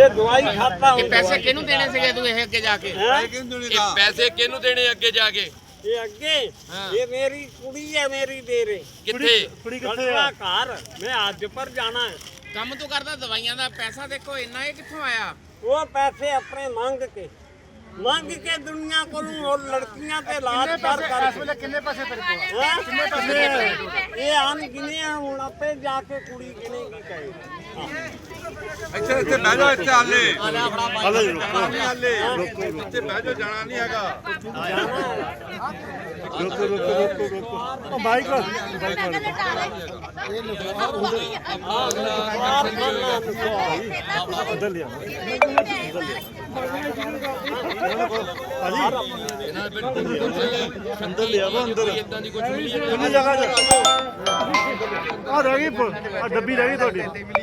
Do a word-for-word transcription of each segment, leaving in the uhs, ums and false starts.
ਦਵਾਈ ਖਾਤਾ ਇਹ ਪੈਸੇ ਕਿਹਨੂੰ ਦੇਣੇ ਸੀਗੇ ਤੂੰ ਇਹ ਅੱਗੇ ਜਾ ਕੇ ਇਹ ਪੈਸੇ ਕਿਹਨੂੰ ਦੇਣੇ ਅੱਗੇ ਜਾ ਕੇ ਇਹ ਅੱਗੇ ਇਹ ਮੇਰੀ ਕੁੜੀ ਹੈ ਮੇਰੀ ਦੇ ਰੇ ਕਿੱਥੇ ਕੁੜੀ ਕਿੱਥੇ ਆ ਘਰ ਮੈਂ ਅੱਜ ਪਰ ਜਾਣਾ ਹੈ ਕੰਮ ਤੂੰ ਕਰਦਾ ਦਵਾਈਆਂ ਦਾ ਪੈਸਾ ਦੇਖੋ ਇੰਨਾ ਇਹ ਕਿੱਥੋਂ ਆਇਆ ਉਹ ਪੈਸੇ ਆਪਣੇ ਮੰਗ ਕੇ ਮੰਗ ਕੇ ਦੁਨੀਆ ਕੋਲੋਂ ਹੋਰ ਲੜਕੀਆਂ ਤੇ ਲਾਜ ਕਰ ਕਰ ਇਸ ਵੇਲੇ ਕਿੰਨੇ ਪੈਸੇ ਤੇਰੇ ਕੋਲ ਕਿੰਨੇ ਪੈਸੇ ਇਹ ਆਨ ਗਿਣੇ ਹੁਣ ਆਪੇ ਜਾ ਕੇ ਕੁੜੀ ਗਿਣੇ ਕੀ ਕਹੇ ਇੱਥੇ ਇੱਥੇ ਬਹਿ ਜਾ ਇੱਥੇ ਹਾਲੇ ਹਾਲੇ ਹਾਲੇ ਇੱਥੇ ਬਹਿ ਜਾ ਜਾਣਾ ਨਹੀਂ ਹੈਗਾ ਰੁਕੋ ਰੁਕੋ ਰੁਕੋ ਰੁਕੋ ਉਹ ਬਾਈਕ ਬਾਈਕ ਉਧਰ ਲਿਆ ਅੰਦਰ ਲਿਆ ਵਾ ਅੰਦਰ ਕਿੰਨੀ ਜਗ੍ਹਾ ਆ ਰਹਿ ਗਈ ਆ ਡੱਬੀ ਰਹਿ ਗਈ ਤੁਹਾਡੀ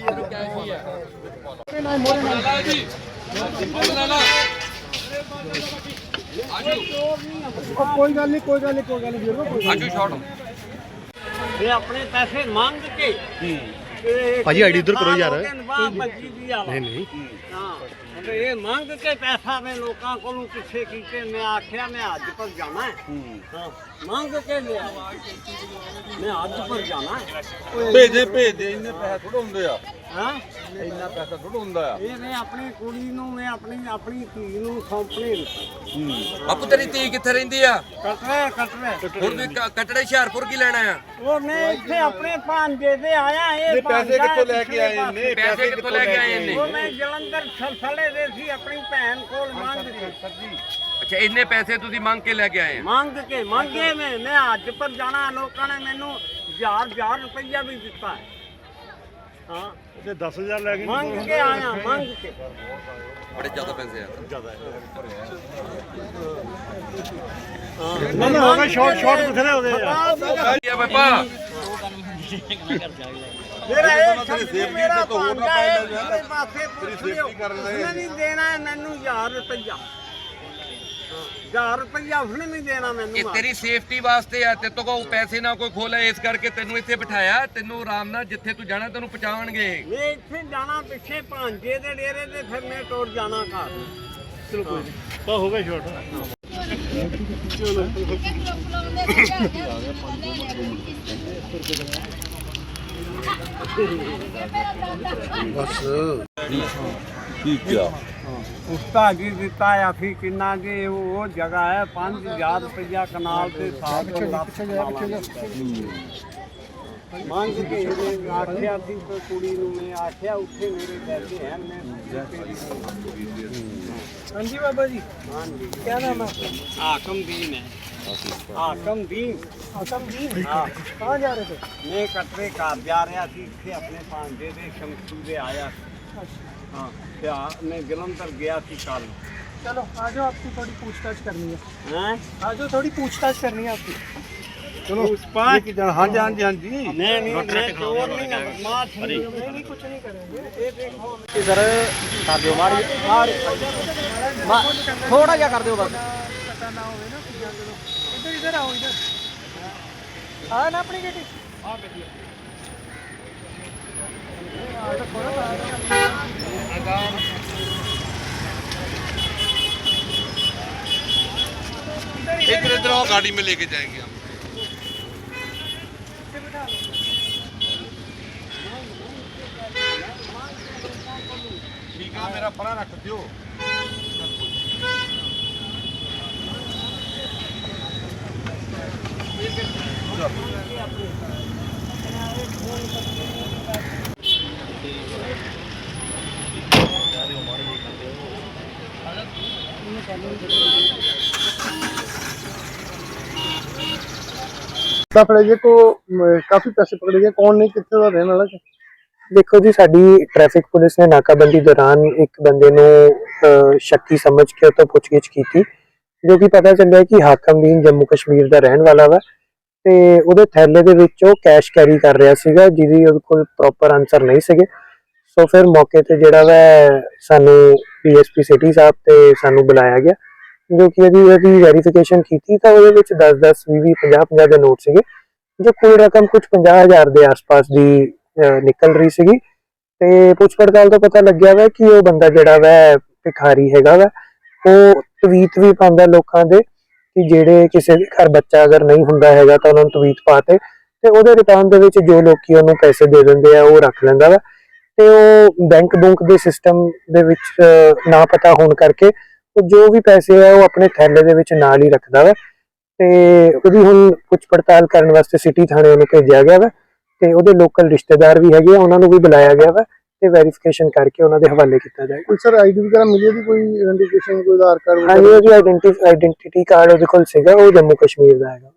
ਕੋਈ ਗੱਲ ਨਹੀਂ ਕੋਈ ਗੱਲ ਨਹੀਂ ਕੋਈ ਗੱਲ ਨਹੀਂ ਆਜੂ ਸ਼ਾਟ ਇਹ ਆਪਣੇ ਪੈਸੇ ਮੰਗ ਕੇ ਭਾਜੀ ਆਈਡੀ ਉਧਰ ਕਰੋ ਯਾਰ ਨਹੀਂ ਨਹੀਂ ਹਾਂ ਇਹ ਮੰਗ ਕੇ ਪੈਸਾ ਮੈਂ ਲੋਕਾਂ ਕੋਲੋਂ ਪਿੱਛੇ ਕੀਤੇ ਮੈਂ ਆਖਿਆ ਮੈਂ ਅੱਜ ਪਰ ਜਾਣਾ ਹੈ ਮੰਗ ਕੇ ਲਿਆ ਮੈਂ ਅੱਜ ਪਰ ਜਾਣਾ ਹੈ ਭੇਜਦੇ ਭੇਜਦੇ ਇੰਨੇ ਪੈਸੇ ਥੋੜਾ ਹੁੰਦੇ ਆ ਹਾਂ ਇੰਨਾ ਪੈਸਾ ਥੋੜਾ ਹੁੰਦਾ ਆ ਇਹ ਮੈਂ ਆਪਣੀ ਕੁੜੀ ਨੂੰ ਮੈਂ ਆਪਣੀ ਆਪਣੀ ਧੀ ਨੂੰ ਸੌਂਪਣੀ ਆਪੂ ਤੇਰੀ ਧੀ ਕਿੱਥੇ ਰਹਿੰਦੀ ਆ ਕਟਰੇ ਕਟਰੇ ਹੁਣ ਵੀ ਕ- ਕਟੜੇ ਹੁਸ਼ਿਆਰਪੁਰ ਕੀ ਲੈਣਾ ਆ ਉਹ ਮੈਂ ਇੱਥੇ ਆਪਣੇ ਭਾਂਜੇ ਦੇ ਆਇਆ ਇਹ ਪੈਸੇ ਕਿੱਥੋਂ ਲੈ ਕੇ ਆਏ ਨੇ ਪੈਸੇ ਕਿੱਥੋਂ ਲੈ ਕੇ ਆਏ ਨੇ ਉਹ ਮੈਂ ਜਲੰਧਰ ਸਲਸਲੇ ਦੇ ਸੀ ਆਪਣੀ ਭੈਣ ਕੋਲ ਮੰਗ ਕੇ ਅੱਛਾ ਇੰਨੇ ਪੈਸੇ ਤੁਸੀਂ ਮੰਗ ਕੇ ਲੈ ਕੇ ਆਏ ਆ ਮੰਗ ਕੇ ਮੰਗੇ ਮੈਂ ਮੈਂ ਅੱਜ ਪਰ ਜਾਣਾ ਲੋਕਾਂ ਨੇ ਮੈਨੂੰ ਹਜ਼ਾਰ ਹਜ਼ਾਰ ਰੁਪਈਆ ਵੀ ਦਿੱਤਾ ਹੈ ਹਾਂ ਤੇ ਦਸ ਹਜ਼ਾਰ ਲੈ ਗਏ ਮੰਗ ਕੇ ਆਇਆ ਮੰਗ ਕੇ ਬੜੇ ਜ਼ਿਆਦਾ ਪੈਸੇ ਆ ਨਾ ਨਾ ਹੋ ਗਿਆ ਸ਼ਾਰਟ ਸ਼ਾਰਟ ਬਥੇਰੇ ਹੋ ਗਏ ਯਾਰ ਕੀ ਆ ਬਾਬਾ ਮੇਰਾ ਇਹ ਸੇਫਟੀ ਮੇਰਾ ਭਾਂਜਾ ਹੈ ਮੇਰੇ ਪਾਸੇ ਸੇਫਟੀ ਕਰ ਲੈ ਨਹੀਂ ਦੇਣਾ ਮੈਨੂੰ ਹਜ਼ਾਰ ਰੁਪਈਆ ਹਜ਼ਾਰ ਰੁਪਈਆ ਉਸਨੇ ਨਹੀਂ ਦੇਣਾ ਮੈਨੂੰ ਇਹ ਤੇਰੀ ਸੇਫਟੀ ਵਾਸਤੇ ਆ ਤੇ ਤੋ ਕੋ ਪੈਸੇ ਨਾ ਕੋਈ ਖੋਲੇ ਇਸ ਕਰਕੇ ਤੈਨੂੰ ਇੱਥੇ ਬਿਠਾਇਆ ਤੈਨੂੰ ਆਰਾਮ ਨਾਲ ਜਿੱਥੇ ਤੂੰ ਜਾਣਾ ਤੈਨੂੰ ਪਹੁੰਚਾਉਣਗੇ ਮੈਂ ਇੱਥੇ ਜਾਣਾ ਪਿੱਛੇ ਭਾਂਜੇ ਦੇ ਡੇਰੇ ਤੇ ਫਿਰ ਮੈਂ ਟੁਰ ਜਾਣਾ ਘਰ ਚਲੋ ਕੋਈ ਨਹੀਂ ਤਾਂ ਹੋ ਗਿਆ ਸ਼ਾਰਟ ਬਸ ਠੀਕ ਆ ਉਸਤਾ ਜੀ ਦਿੱਤਾ ਆ ਫਿਰ ਕਿੰਨਾ ਜੀ ਉਹ ਜਗ੍ਹਾ ਹੈ ਪੰਜ ਹਜ਼ਾਰ ਰੁਪਈਆ ਕਨਾਲ ਤੇ ਸਾਲ ਤੋਂ ਮੰਗ ਕੇ ਇਹਨੇ ਆਖਿਆ ਸੀ ਤੇ ਕੁੜੀ ਨੂੰ ਮੈਂ ਆਖਿਆ ਉੱਥੇ ਮੇਰੇ ਪੈਸੇ ਹਨ ਮੈਂ ਹਾਂਜੀ ਬਾਬਾ ਜੀ ਹਾਂਜੀ ਕੀ ਨਾਮ ਹੈ ਆਕਮਦੀਨ ਹੈ ਆਕਮਦੀਨ ਆਕਮਦੀਨ ਹਾਂ ਕਹਾਂ ਜਾ ਰਹੇ ਥੇ ਮੈਂ ਕਟਰੇ ਘਰ ਜਾ ਰਿਹਾ ਸੀ ਇੱਥੇ ਆਪਣੇ ਭਾਂਜੇ ਦੇ ਸ਼ਮਸ਼ੂ ਦੇ ਆਇਆ हाँ क्या मैं जलंधर गया थी कल चलो आ जाओ आपकी थोड़ी पूछताछ करनी है हैं आ जाओ थोड़ी पूछताछ करनी है आपकी ਚਲੋ ਪਾँच हाँ जी हाँ जी हाँ जी नहीं नहीं मैं चोर नहीं हूं मां नहीं नहीं कुछ नहीं करेंगे ये देखो इधर कर दो मारी थोड़ा क्या कर दो बस पता ना होवे ना इधर इधर आओ इधर आ ना अपनी बेटी हां बेटी एक इधर आओ गाड़ी में लेके जाएंगे हम ठीक है मेरा पड़ा रख दियो फड़े गए तो काफी पैसे पकड़े गए कौन नहीं कितने का रहने वाला देखो जी साडी ट्रैफिक पुलिस ने नाकाबंदी दौरान एक बंदे ਨੂੰ शक्की समझ के तो पुछगिछ की थी जो कि पता चलिया कि हाकमदीन जम्मू कश्मीर ਦਾ ਰਹਿਣ ਵਾਲਾ ਵਾ ਤੇ ਉਹਦੇ ਥੈਲੇ ਦੇ ਵਿੱਚ ਉਹ ਕੈਸ਼ ਕੈਰੀ ਕਰ ਰਿਹਾ ਸੀਗਾ ਜਿਹਦੀ ਉਹਦੇ ਕੋਲ ਪ੍ਰੋਪਰ ਆਨਸਰ ਨਹੀਂ ਸੀਗੇ ਸੋ ਫਿਰ ਮੌਕੇ ਤੇ ਜਿਹੜਾ ਵਾ ਸਾਨੂੰ ਪੀਐਸਪੀ ਸਿਟੀ ਸਾਹਿਬ ਤੇ ਸਾਨੂੰ ਬੁਲਾਇਆ ਗਿਆ ਜੋ ਕਿ ਇਹਦੀ ਇਹਦੀ ਵੈਰੀਫਿਕੇਸ਼ਨ ਕੀਤੀ ਤਾਂ ਉਹਦੇ ਵਿੱਚ दस दस बीस बीस पचास पचास ਦੇ ਨੋਟ ਸੀਗੇ ਜੋ ਕੁੱਲ ਰਕਮ ਕੁਝ ਪੰਜਾਹ ਹਜ਼ਾਰ ਦੇ ਆਸ-ਪਾਸ ਦੀ ਨਿਕਲ ਰਹੀ ਸੀਗੀ ਤੇ ਪੁੱਛ ਪੜਤਾਲ ਤੋਂ ਪਤਾ ਲੱਗਿਆ ਵਾ ਕਿ ਉਹ ਬੰਦਾ ਜਿਹੜਾ ਵਾ ਭਿਖਾਰੀ ਹੈਗਾ ਵਾ, ਉਹ ਤਵੀਤ ਵੀ ਪਾਉਂਦਾ ਲੋਕਾਂ ਦੇ ਕਿ ਜਿਹੜੇ ਕਿਸੇ ਦੇ ਘਰ ਬੱਚਾ ਅਗਰ ਨਹੀਂ ਹੁੰਦਾ ਹੈਗਾ ਤਾਂ ਉਹਨਾਂ ਨੂੰ ਤਵੀਤ ਪਾ ਤੇ ਤੇ ਉਹਦੇ ਰਿਟਰਨ ਦੇ ਵਿੱਚ ਜੋ ਲੋਕੀ ਉਹਨੂੰ ਪੈਸੇ ਦੇ ਦਿੰਦੇ ਆ ਉਹ ਰੱਖ ਲੈਂਦਾ ਵਾ। ਤੇ ਉਹ ਬੈਂਕ ਬੁੰਕ ਦੇ ਸਿਸਟਮ ਦੇ ਵਿੱਚ ਨਾ ਪਤਾ ਹੋਣ ਕਰਕੇ ਉਹ ਜੋ ਵੀ ਪੈਸੇ ਆ ਉਹ ਆਪਣੇ ਥੈਲੇ ਦੇ ਵਿੱਚ ਨਾਲ ਹੀ ਰੱਖਦਾ ਵਾ। ਤੇ ਉਹਦੀ ਹੁਣ ਪੁੱਛ ਪੜਤਾਲ ਕਰਨ ਵਾਸਤੇ ਸਿਟੀ ਥਾਣੇ ਉਹਨੂੰ ਭੇਜਿਆ ਗਿਆ ਵਾ ਤੇ ਉਹਦੇ ਲੋਕਲ ਰਿਸ਼ਤੇਦਾਰ ਵੀ ਹੈਗੇ ਆ, ਉਹਨਾਂ ਨੂੰ ਵੀ ਬੁਲਾਇਆ ਗਿਆ ਵਾ ਤੇ ਵੈਰੀਫਿਕੇਸ਼ਨ ਕਰਕੇ ਉਹਨਾਂ ਦੇ ਹਵਾਲੇ ਕੀਤਾ ਜਾਏਗਾ। ਕੋਈ ਸਰ ਆਈਡੀ ਵਗੈਰਾ ਮਿਲੀ ਦੀ, ਕੋਈ ਆਇਡੈਂਟੀਫਿਕੇਸ਼ਨ, ਕੋਈ ਆਧਾਰ ਕਾਰਡ? ਹਾਂਜੀ, ਉਹਦੀ ਆਇਡੈਂਟੀ ਆਇਡੈਂਟੀਟੀ ਕਾਰਡ ਉਹਦੇ ਕੋਲ ਸੀਗਾ, ਉਹ ਜੰਮੂ ਕਸ਼ਮੀਰ ਦਾ ਹੈਗਾ।